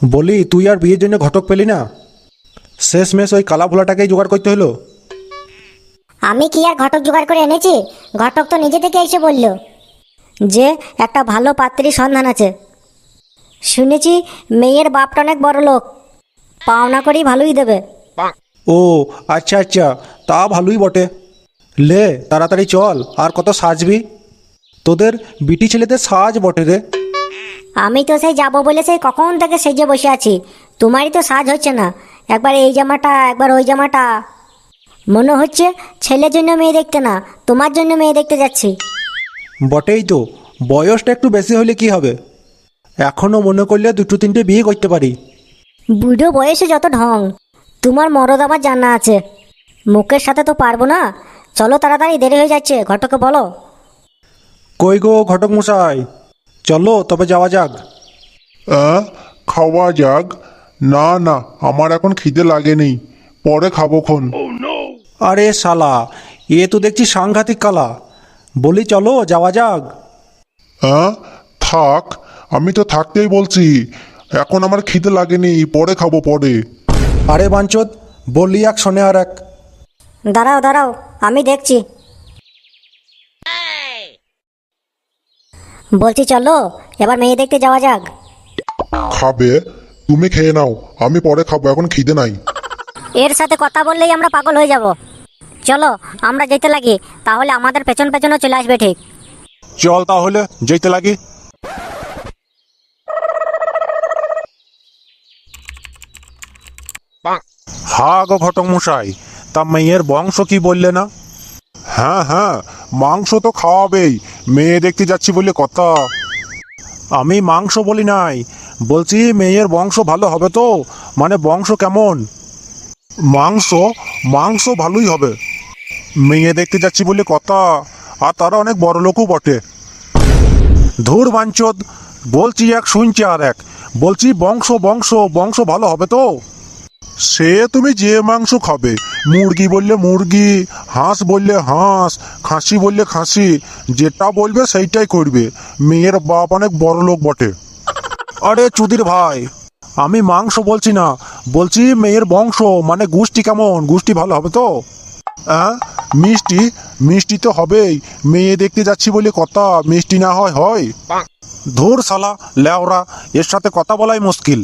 বলি তুই আর বিয়ের জন্য ঘটক পেলি না, শেষমেশ ওই কালা ভোলাটাকেই জোগাড় করতে হলো। আমি কি আর ঘটক জোগাড় করে এনেছি? ঘটক তো নিজে থেকে এসে বলল যে একটা ভালো পাত্রীর সন্ধান আছে। শুনেছি মেয়ের বাপটা অনেক বড় লোক, পাওনা করেই ভালোই দেবে। ও আচ্ছা আচ্ছা, তা ভালোই বটে। লে তাড়াতাড়ি চল, আর কত সাজবি? তোদের বিটি ছেলেদের সাজ বটে রে। আমি তো সেই যাবো বলে সেই কখন থেকে সেজে বসে আছি, তোমারই তো সাজ হচ্ছে না। একবার এই জামাটা, একবার ওই জামাটা। মনে হচ্ছে ছেলের জন্য মেয়ে দেখতে না, তোমার জন্য মেয়ে দেখতে যাচ্ছি। বটেই তো, বয়সটা একটু বেশি হলে কি হবে, এখনও মনে করলে দুটো তিনটে বিয়ে করতে পারি। বুড়ো বয়সে যত ঢং, তোমার মরদ আমার জানা আছে। মুখের সাথে তো পারবো না। চলো তাড়াতাড়ি, দেরি হয়ে যাচ্ছে, ঘটকে বলো। কই গো ঘটক মশাই, চলো তবে যাওয়া যাক। খাওয়া যাক? না না, আমার এখন খিদে লাগেনি, পরে খাবো খন। আরে শালা, এ তো দেখছি সাংঘাতিক কালা। বলি চলো যাওয়া যাক। থাক, আমি তো থাকতেই বলছি, এখন আমার খিদে লাগেনি, পরে খাবো পরে। আরে বাঞ্চদ, বললি এক শোনে আর এক। দাঁড়াও দাঁড়াও, আমি দেখছি। বলছি চলো এবার মেয়ে দেখতে যাওয়া যাক। খাবে? তুমি খেয়ে নাও, আমি পরে খাবো, এখন খিদে নাই। এর সাথে কথা বললেই আমরা পাগল হয়ে যাব। চলো আমরা যেতে লাগি, তাহলে আমাদের পেছন পেছনও চলে আসবে ঠিক। চল তাহলে যেতে লাগি। হা গো ঘটক মশাই, তা মেয়ের বংশ কি বললে না? হ্যাঁ হ্যাঁ, মাংস তো খাওয়াবেই, মেয়ে দেখতে যাচ্ছি বলে কথা। আমি মাংস বলি নাই, বলছি মেয়ের বংশ ভালো হবে তো, মানে বংশ কেমন? মাংস? মাংস ভালোই হবে, মেয়ে দেখতে যাচ্ছি বলে কথা, আর তারা অনেক বড় লোকও বটে। ধুর বাঞ্চদ, বলছি এক শুনছি আর এক। বলছি বংশ বংশ বংশ ভালো হবে তো? সে তুমি যে মাংস খাবে, মুরগি বললে মুরগি, হাঁস বললে হাঁস, খাসি বললে খাসি, যেটা বলবে সেইটাই করবে, মেয়ের বাপ অনেক বড় লোক বটে। আরে চুদির ভাই, আমি মাংস বলছি না, বলছি মেয়ের বংশ, মানে গোষ্ঠী কেমন, গোষ্ঠী ভালো হবে তো? মিষ্টি? মিষ্টি তো হবেই, মেয়ে দেখতে যাচ্ছি বলে কথা, মিষ্টি না হয় হয়? ধুর শালা লেওরা, এর সাথে কথা বলাই মুশকিল।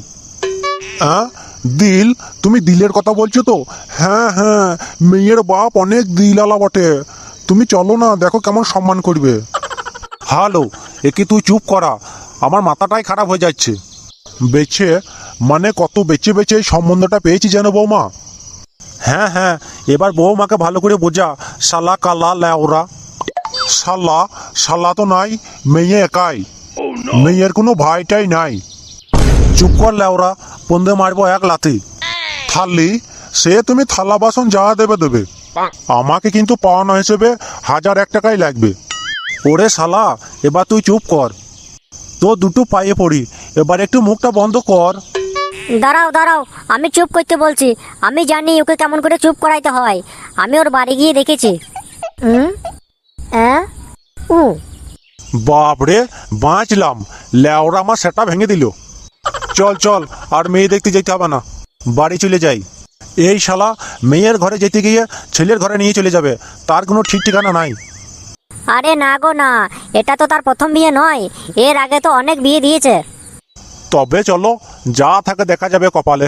দিল? তুমি দিলের কথা বলছো তো? হ্যাঁ হ্যাঁ, মেয়ের বাপ অনেক দিলালা বটে, তুমি চলো না, দেখো কেমন সম্মান করবে। হ্যালো, একে তুই চুপ করা, আমার মাথাটাই খারাপ হয়ে যাচ্ছে। বেছে? মানে কত বেছে বেছে এই সম্বন্ধটা পেয়েছি যেন বৌমা। হ্যাঁ হ্যাঁ, এবার বৌমাকে ভালো করে বোঝা, শালা কালা লেওরা। শালা? শালা তো নাই, মেয়ে একাই, মেয়ের কোনো ভাইটাই নাই। চুপ কর লেওরা, পন্দে মারবো এক লাথি। থালি? সে তুমি থালা বাসন যা দেবে দেবে, আমাকে কিন্তু পাওনা হিসেবে 1001 টাকাই লাগবে। ওরে শালা, এবার তুই চুপ কর, তো দুটো পায়ে পড়ি, এবার একটু মুখটা বন্ধ কর। দাঁড়াও দাঁড়াও, আমি চুপ করতে বলছি, আমি জানি ওকে কেমন করে চুপ করাইতে হয়, আমি ওর বাড়ি গিয়ে দেখেছি। বাপরে, বাঁচলাম, লেওরা আমার সেটা ভেঙে দিল। চল চল, আর মেয়ে দেখতে যেতে হবে না, বাড়ি চলে যাই। এই শালা মেয়ের ঘরে যেতে গিয়ে ছেলের ঘরে নিয়ে চলে যাবে, তার কোনো ঠিক ঠিকানা নাই। আরে না গো না, এটা তো তার প্রথম বিয়ে নয়, এর আগে তো অনেক বিয়ে দিয়েছে। তবে চলো, যা থাকে দেখা যাবে কপালে।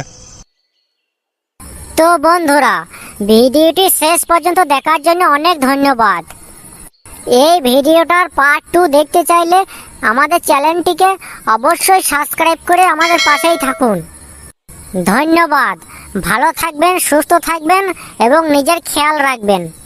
তো বন্ধুরা, ভিডিওটি শেষ পর্যন্ত দেখার জন্য অনেক ধন্যবাদ। এই ভিডিওটার পার্ট 2 দেখতে চাইলে আমাদের চ্যানেলটিকে অবশ্যই সাবস্ক্রাইব করে আমাদের পাশেই থাকুন। ধন্যবাদ, ভালো থাকবেন, সুস্থ থাকবেন এবং নিজের খেয়াল রাখবেন।